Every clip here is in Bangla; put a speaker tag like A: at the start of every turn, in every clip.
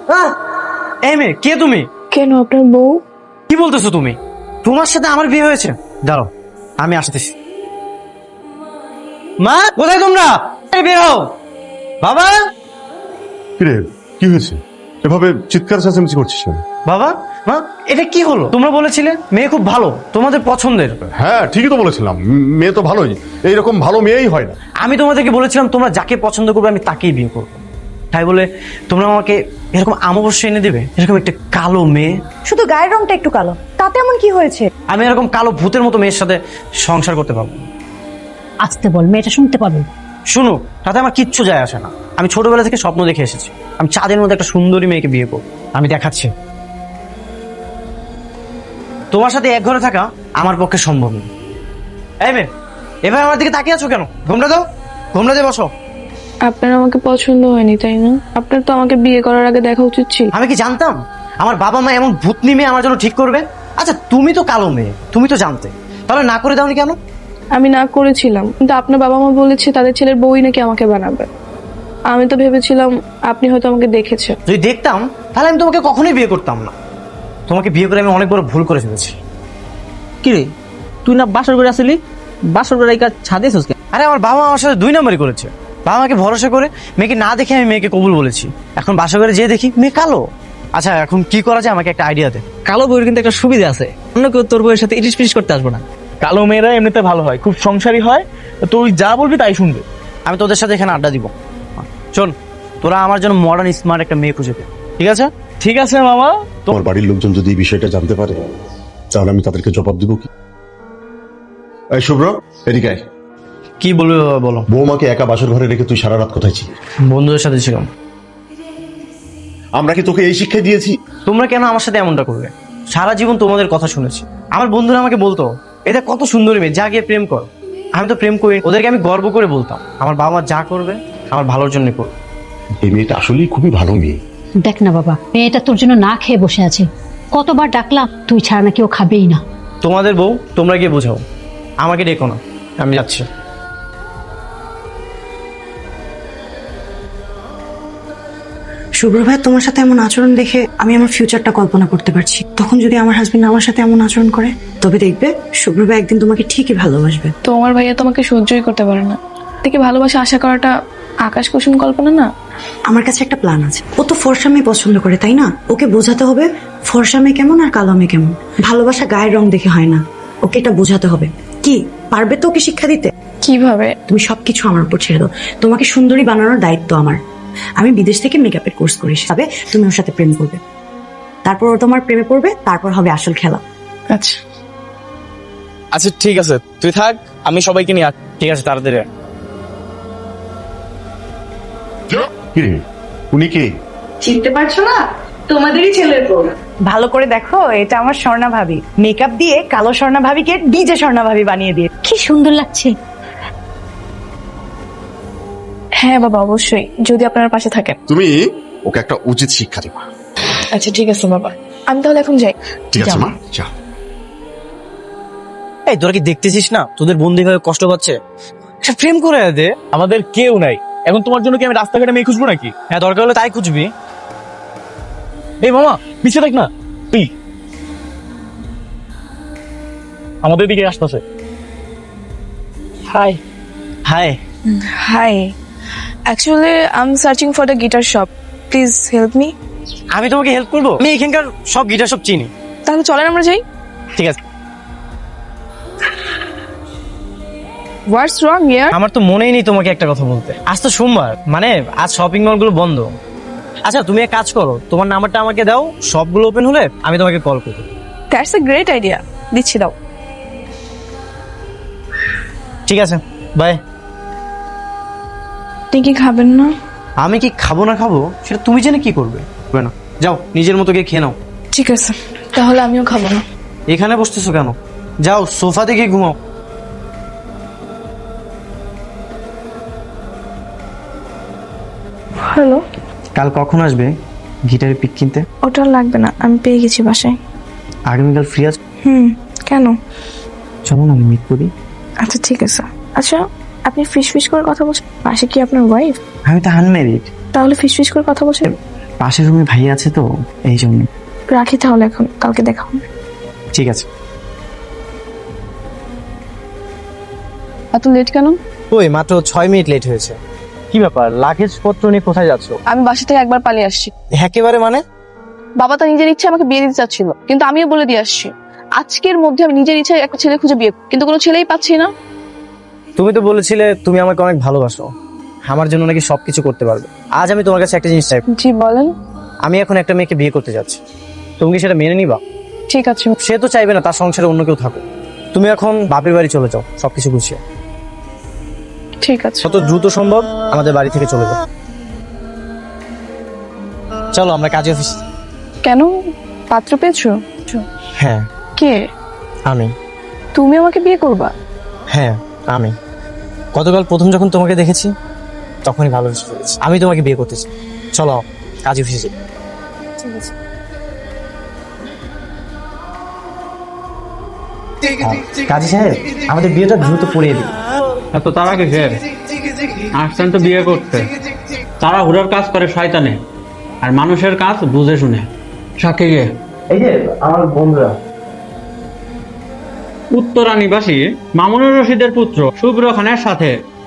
A: এই মেয়ে কে তুমি?
B: কেন আপনার বউ?
A: কি বলতেছো তুমি? তোমার সাথে আমার বিয়ে হয়েছে? দাঁড়াও আমি আসতেছি। মা কোথায় তোমরা? বের হও। বাবা
C: কিরে কি হয়েছে? এভাবে চিৎকার চেঁচামেচি করছিস কেন?
A: বাবা মা এটা কি হলো? তোমরা বলেছিলে মেয়ে খুব ভালো, তোমাদের পছন্দের।
C: হ্যাঁ ঠিকই তো বলেছিলাম, মেয়ে তো ভালোই, এইরকম ভালো মেয়েই হয় না।
A: আমি তোমাদেরকে বলেছিলাম তোমরা যাকে পছন্দ করবে আমি তাকেই বিয়ে করবো, তাই বলে তোমরা আমাকে এরকম অমাবস্যা এনে দেবে? এরকম একটা কালো মেয়ে,
D: শুধু গায়ের রংটা একটু কালো, তাতে এমন কি হয়েছে?
A: আমি এরকম কালো ভূতের মতো মেয়ের সাথে সংসার করতে পারবো না।
E: আসতে বল, মেয়েটা শুনতে পাবে।
A: শুনুক, তাতে আমার কিচ্ছু যায় আসে না। আমি ছোটবেলা থেকে স্বপ্ন দেখে এসেছি আমি চাঁদের মধ্যে একটা সুন্দরী মেয়েকে বিয়ে করবো। আমি দেখাচ্ছি, তোমার সাথে এক ঘরে থাকা আমার পক্ষে সম্ভব না। এই মেয়ে এবার আমার দিকে তাকিয়ে আছো কেন? ঘোমটা দাও, ঘোমটা দিয়ে বসো।
B: আপনার আমাকে পছন্দ হয়নি তাই না? আপনার তো আমাকে বিয়ে করার আগে দেখা উচিত ছিল।
A: আমি কি জানতাম আমার বাবা মা এমন ভূতনি মেয়ে আমার জন্য ঠিক করবে? আচ্ছা তুমি তো কালো মেয়ে, তুমি তো জানতে, তাহলে না করে দাওনি কেন?
B: আমি না করেছিলাম, কিন্তু আপনার বাবা মা বলেছে তাদের ছেলের বউই নাকি আমাকে বানাবে। আমি তো ভেবেছিলাম আপনি হয়তো আমাকে দেখেছেন।
A: যদি দেখতাম তাহলে আমি তোমাকে কখনোই বিয়ে করতাম না। তোমাকে বিয়ে করে আমি অনেক বড় ভুল করে ফেলেছি।
F: কিরে তুই না বাসর করে আসলি, বাসর করে ছাদে এসেছিস কেন?
A: আরে আমার বাবা আমার সাথে 2 নম্বরই করেছে। বাবা মাকে ভরসা করে মেয়েকে না দেখে আমি মেয়েকে কবুল বলেছি। এখন বাসা করে যেয়ে দেখি মেয়ে কালো। আচ্ছা এখন কি করা যায়, আমাকে একটা আইডিয়া দে।
F: কালো বউয়ের কিন্তু একটা সুবিধা আছে, অন্য কেউ তোর বউয়ের সাথে ইটিস পিটিস করতে আসবো না।
G: কালো মেয়েরা এমনিতে ভালো হয়, খুব সংসারী হয়, তুই যা বলবি তাই শুনবে।
A: আমি তোদের সাথে এখানে আড্ডা দিব। শোন, তোরা আমার জন্য মডার্ন স্মার্ট একটা মেয়ে খুঁজে দে, ঠিক আছে?
G: ঠিক আছে মামা।
C: তোমার বাড়ির লোকজন যদি এই বিষয়টা জানতে পারে তাহলে আমি তাদেরকে জবাব দিব কি? এই শুভ্র, এদিকে আয়।
A: কি বলবে বাবা বলো।
C: বৌমাকে একা বাসর ঘরে রেখে তুই সারা রাত কোথায় ছিলি?
A: বন্ধুদের সাথে ছিলাম।
C: আমরা কি তোকে এই শিক্ষা দিয়েছি?
A: তোমরা কেন আমার সাথে এমনটা করবে? সারা জীবন তোমাদের কথা শুনেছি। আমার বন্ধুরা আমাকে বলতো এটা কত সুন্দরী মেয়ে, যা গিয়ে প্রেম কর। আমি তো প্রেম করি, ওদেরকে আমি গর্ব করে বলতাম আমার বাবা মা যা করবে আমার ভালোর জন্য করবে।
C: এই মেয়েটা আসলেই খুবই ভালো মেয়ে।
E: দেখ না বাবা, মেয়েটা তোর জন্য না খেয়ে বসে আছে। কতবার ডাকলাম, তুই ছাড়া না কেউ খাবেই না।
A: তোমাদের বউ তোমরা গিয়ে বোঝাও, আমাকে ডেকো না, আমি যাচ্ছি।
D: শুভ্র ভাই তোমার সাথে এমন আচরণ দেখে আমি আমার ফিউচারটা কল্পনা করতে পারছি। তখন যদি আমার হাজবেন্ড আমার সাথে এমন আচরণ করে, তবে দেখবে শুভ্র ভাই একদিন তোমাকে ঠিকই ভালোবাসবে।
B: তোমার ভাইয়া তোমাকে সহ্যই করতে পারে না, থেকে ভালোবাসা আশা করাটা আকাশ কুসুম কল্পনা না।
D: আমার কাছে একটা প্ল্যান আছে। ও তো ফর্সা মেয়ে পছন্দ করে তাই না? ওকে বোঝাতে হবে ফর্সা মেয়ে কেমন আর কালো মেয়ে কেমন। ভালোবাসা গায়ের রং দেখে হয় না, ওকে এটা বোঝাতে হবে। কি পারবে তো ওকে শিক্ষা দিতে?
B: কিভাবে?
D: তুমি সবকিছু আমার উপর ছেড়ে দাও, তোমাকে সুন্দরী বানানোর দায়িত্ব আমার। আমি বিদেশ থেকে মেকআপের কোর্স করি, তবে তুমি ওর সাথে প্রেম করবে, তারপর ও তোমার প্রেমে পড়বে, তারপর হবে আসল খেলা।
B: আচ্ছা
G: আচ্ছা ঠিক আছে, তুই থাক, আমি সবাইকে নিয়ে
A: ঠিক আছে তাড়াতাড়ি।
C: কিরে উনি কে?
D: চিনতে পারছো না? তোমাদেরই ছেলের বউ। ভালো করে দেখো, এটা আমার স্বর্ণা ভাবি। মেকআপ দিয়ে কালো স্বর্ণা ভাবিকে ডিজে স্বর্ণা ভাবি বানিয়ে দিয়ে।
E: কি সুন্দর লাগছে।
B: হ্যাঁ বাবা, অবশ্যই, যদি আপনার পাশে থাকেন।
C: তুমি ওকে একটা উচিত শিক্ষা দিবা।
B: আচ্ছা ঠিক আছে বাবা, আমি তাহলে এখন যাই।
C: ঠিক আছে মা, যা।
A: এই তোরা কি দেখতেছিস না তোদের বন্ধু ভাবে কষ্ট পাচ্ছে? একটা প্রেম করে দে।
G: আমাদের কেউ নাই এখন, তোমার জন্য কি আমি রাস্তাঘাটে মেয়ে খুঁজবো নাকি?
A: হ্যাঁ দরকার হলে তাই খুঁজবি।
G: এই মামা পিছিয়ে থাক না, তুই আমাদের দিকে আসতেছে।
B: Hi.
A: Hi.
B: Hi, actually I am searching for the guitar shop, please help me.
A: আমি তোমাকে হেল্প করবো? আমি এখানকার সব গিটার সব চিনি।
B: তাহলে চলেন আমরা যাই।
A: ঠিক আছে।
B: What's wrong here?
A: আমার তো মনেই নেই তোমাকে একটা কথা বলতে। আজ তো সোমবার, মানে আজ শপিং মল গুলো বন্ধ। আচ্ছা তুমি এক কাজ করো, তোমার নাম্বারটা আমাকে দাও, সবগুলো ওপেন হলে আমি তোমাকে কল করবো।
B: দ্যাটস এ গ্রেট আইডিয়া, দিচ্ছি, দাও।
A: ঠিক আছে, বাই।
B: আপনি কি খাবেন না?
A: আমি কি খাবো না খাবো সেটা তুমি জেনে কি করবে? না, যাও নিজের মতো গিয়ে খেয়ে নাও।
B: ঠিক আছে, তাহলে আমিও খাবো না।
A: এখানে বসতেছো কেন? যাও সোফাতে গিয়ে ঘুমাও।
B: হ্যালো,
A: কাল কখন আসবে গিটারের পিক কিনতে?
B: ওটা লাগবে না, আমি পেয়ে গেছি বাসায়।
A: আগামীকাল ফ্রি আছো?
B: কেন?
A: চলো না মিট করি।
B: আচ্ছা ঠিক আছে। আচ্ছা আপনি ফিস ফিস করে কথা বলছেন, পাশে কি আপনার ওয়াইফ?
A: আমি তো আনম্যারিড।
B: তাহলে ফিস ফিস করে কথা বলছেন?
A: পাশের রুমে ভাই আছে তো এই জন্য।
B: রাখি তাহলে, এখন কালকে দেখা হবে।
A: ঠিক আছে।
B: এত লেট কেন?
A: ওই মাত্র 6 মিনিট লেট হয়েছে। কি ব্যাপার, লাগেজ পত্র নিয়ে কোথায় যাচ্ছ?
B: আমি বাসা থেকে একবার পালিয়ে আসছি।
A: একেবারে মানে?
B: বাবা তো নিজের ইচ্ছে আমাকে বিয়ে দিতে চাচ্ছিল, কিন্তু আমিও বলে দিয়ে আসছি আজকের মধ্যে আমি নিজের ইচ্ছায় একটা ছেলে খুঁজে বিয়ে করব। কিন্তু কোনো ছেলেই পাচ্ছি না।
A: তুমি তো বলেছিলে তুমি আমাকে অনেক ভালোবাসো, আমার জন্য নাকি সবকিছু করতে পারবে। আজ আমি তোমার কাছে একটা জিনিস চাই।
B: জি বলেন।
A: আমি এখন একটা মেয়েকে বিয়ে করতে যাচ্ছি, তুমি কি সেটা মেনে নিবা?
B: ঠিক আছে।
A: সে তো চাইবে না তার সংসারে অন্য কেউ থাকুক। তুমি এখন বাপের বাড়ি চলে যাও, সবকিছু গুছিয়ে।
B: ঠিক আছে।
A: যত দ্রুত সম্ভব আমাদের বাড়ি থেকে চলে যাও। চলো আমরা কাজে অফিস।
B: কেন, পাত্র পেয়েছো?
A: হ্যাঁ
B: কে?
A: আমি।
B: তুমি আমাকে বিয়ে করবা?
A: হ্যাঁ আমি। গতকাল প্রথম যখন তোমাকে দেখেছি তখনই ভালোবেসে ফেলেছি। আমি তোমাকে বিয়ে করতে চাই। চলো কাজে অফিসে যাই।
B: ঠিক আছে।
A: কাজী সাহেব, আমাদের বিয়েটা দ্রুত পড়িয়ে দিন।
H: এত তারা কিসের? আসছেন তো বিয়ে করতে। তারা হুড়ার কাজ করে শয়তানে, আর মানুষের কাজ বুঝে শুনে। সাক্ষী গে
A: এই যে আমার বন্ধুরা।
H: উত্তরা নিবাসী মামুনুর রশিদের পুত্র শুভ্র খানের সাথে।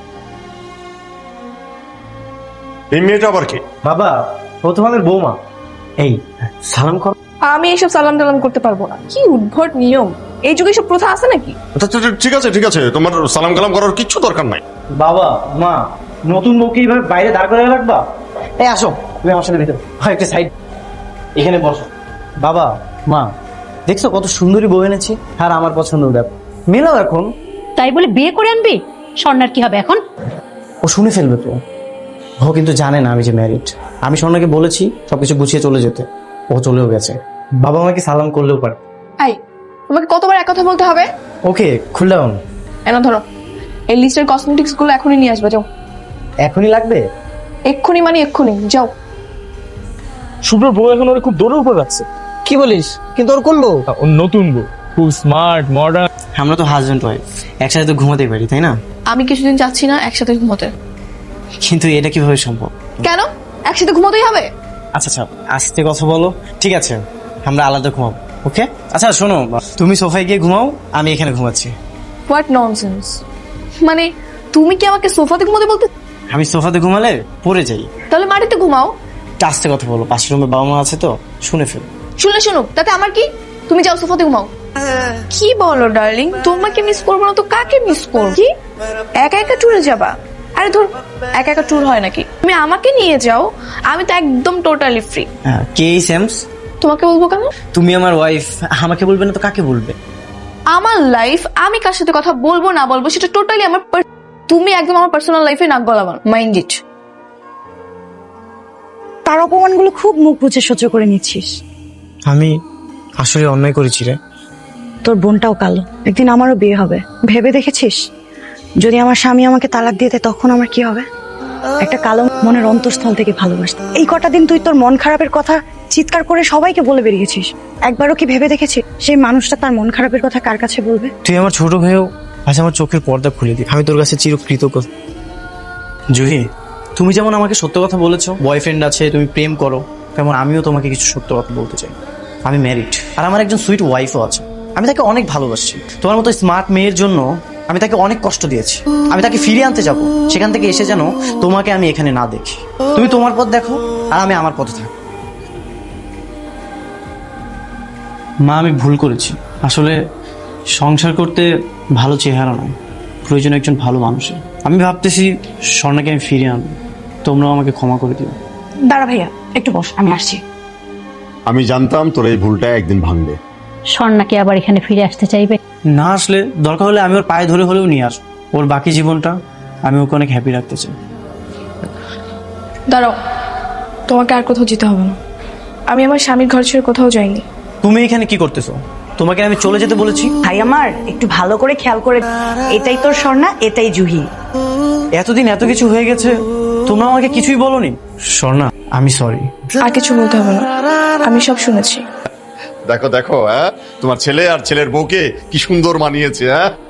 C: এই মেয়েটা আবার কি?
A: বাবা, প্রথম আমের বৌমা। এই সালাম কর।
B: আমি এইসব সালাম টালাম করতে পারবো না। কি উদ্ভট নিয়ম, এই যুগে সব প্রথা আছে নাকি?
C: ঠিক আছে ঠিক আছে, তোমার সালাম কালাম করার কিচ্ছু দরকার নাই।
A: বাবা মা, নতুন বউকে এইভাবে বাইরে দাঁড় করে রাখবা? এই আসো তুমি আমার সাথে ভিতরে। হয় একটা সাইড, এখানে বসো। বাবা মা, দেখছো কত সুন্দরী বউ এনেছি, আর আমার পছন্দ দেখো। মেলাও এখন।
E: তাই বলে বিয়ে করে আনবি? স্বর্ণার কি হবে এখন?
A: ও শুনে ফেলবে তো। ও কিন্তু জানে না আমি যে ম্যারিড। আমি স্বর্ণাকে বলেছি সবকিছু গুছিয়ে চলে যেতে, ও চলেও গেছে। বাবা আমাকে সালাম করলেও পারে।
B: এই, তোমাকে কতবার এক কথা বলতে হবে?
A: ওকে খুল ডাউন।
B: এনা ধরো, এই লিস্টের কসমেটিক্স গুলো এখনই নিয়ে আসবে, যাও।
A: এখনই লাগবে?
B: এক্ষুনি মানে এক্ষুনি, যাও।
G: শুভ্র বউ এখন ওর খুব দৌড়ে উপর যাচ্ছে।
A: কি বলিস? কিন্তু ওর কোন বউ?
G: ওর নতুন বউ খুব স্মার্ট মডার্ন।
A: আমরা তো হাজব্যান্ড ওয়াইফ, একসাথে তো ঘুমাতেই পারি তাই না?
B: আমি কিছুদিন যাচ্ছি না একসাথে ঘুমোতে।
A: কিন্তু এটা কিভাবে সম্ভব?
B: কেন, একসাথে ঘুমোতেই হবে?
A: আচ্ছা আচ্ছা, আস্তে কথা বলো। ঠিক আছে, আমরা আলাদা ঘুমাবো। ওকে আচ্ছা শোনো, তুমি সোফায় গিয়ে ঘুমাও, আমি এখানে ঘুমাচ্ছি।
B: What nonsense! মানে তুমি কি আমাকে সোফাতে ঘুমোতে বলতে?
A: আমি সোফাতে ঘুমালে পড়ে যাই।
B: তাহলে মাটিতে ঘুমাও।
A: আস্তে কথা বলো, পাশের রুমে বাবা মা আছে তো, শুনে ফেল।
B: শুনলে শুনুক, তাতে আমার কি? তুমি যাও সোফাতে ঘুমাও। কি বলো ডার্লিং, তোমাকে মিস করবো না তো কাকে মিস করব? কি একা একা ট্যুরে যাবা? আরে ধর, একা একা ট্যুর হয় নাকি? তুমি আমাকে নিয়ে যাও, আমি তো একদম টোটালি ফ্রি।
A: কে স্যামস?
B: তোমাকে বলবো কেন?
A: তুমি আমার ওয়াইফ, আমাকে বলবে না তো কাকে বলবে?
B: আমার লাইফ, আমি কার সাথে কথা বলবো না বলবো সেটা টোটালি আমার তুমি একদম আমার পার্সোনাল লাইফে নাক গলাবা, মাইন্ড ইট।
D: তার অপমানগুলো খুব মুখ বুঝে সহ্য করে নিচ্ছিস।
A: আমি আসলে অন্যায় করেছি রে।
D: তোর বোনটাও কালো, একদিন আমারও বিয়ে হবে। ভেবে দেখেছিস যদি আমার স্বামী আমাকে তালাক দিয়ে দেয় তখন আমার কি হবে? একটা কালো মনের অন্তঃস্থল থেকে ভালোবাসত। এই কটা দিন তুই তোর মন খারাপের কথা চিৎকার করে সবাইকে বলে বেরিয়েছিস। একবারও কি ভেবে দেখেছিস সেই মানুষটা তার মন খারাপের কথা কার কাছে বলবে?
A: তুই আমার ছোট ভাইও আজ আমার চোখের পর্দা খুলে দিই। আমি তোর কাছে চিরকৃতজ্ঞ। জুহি, তুমি যেমন আমাকে সত্য কথা বলেছো, বয়ফ্রেন্ড আছে, তুমি প্রেম করো, তেমন আমিও তোমাকে কিছু সত্য কথা বলতে চাই। আমি ম্যারিড, আর আমার একজন সুইট ওয়াইফও আছে। আমি তাকে অনেক ভালোবাসি। তোমার মতো স্মার্ট মেয়ের জন্য আমি তাকে অনেক কষ্ট দিয়েছি। আমি তাকে ফিরিয়ে আনতে যাব, সেখান থেকে এসে যেন তোমাকে আমি এখানে না দেখি। তুমি তোমার পথ দেখো আর আমি আমার পথে থাকি। মা, আমি ভুল করেছি। আসলে সংসার করতে ভালো চেহারা নয়, প্রয়োজন একজন ভালো মানুষের। আমি ভাবতেছি স্বর্ণাকে আমি ফিরিয়ে আনবো, তোমরাও আমাকে ক্ষমা করে দিও।
D: দাঁড়া ভাইয়া, একটু বস, আমি আসছি।
C: আমি জানতাম তোর এই ভুলটা একদিন ভাঙবে।
E: স্বর্ণাকে আবার এখানে ফিরে আসতে চাইবে?
A: না আসলে দরকার হলে আমি ওর পায়ে ধরে হলেও নিয়ে আসবো। ওর বাকি জীবনটা আমি ওকে অনেক হ্যাপি রাখতে চাই।
B: দাঁড়াও, তোমাকে আর কোথাও যেতে হবে না। আমি আমার স্বামীর ঘর ছেড়ে কোথাও যাইনি।
A: তুমি এখানে কি করতেছো? তোমাকে আমি চলে যেতে বলেছি।
D: ভাই আমার, একটু ভালো করে খেয়াল করে, এটাই তোর স্বর্ণা, এটাই জুহি।
A: এতদিন এত কিছু হয়ে গেছে, তোমরা আমাকে কিছুই বলোনি। স্বর্ণা, আমি সরি।
B: আর কিছু বলতে হবে না, আমি সব শুনেছি।
C: দেখো দেখো, তোমার ছেলে আর ছেলের বউকে কি সুন্দর মানিয়েছে।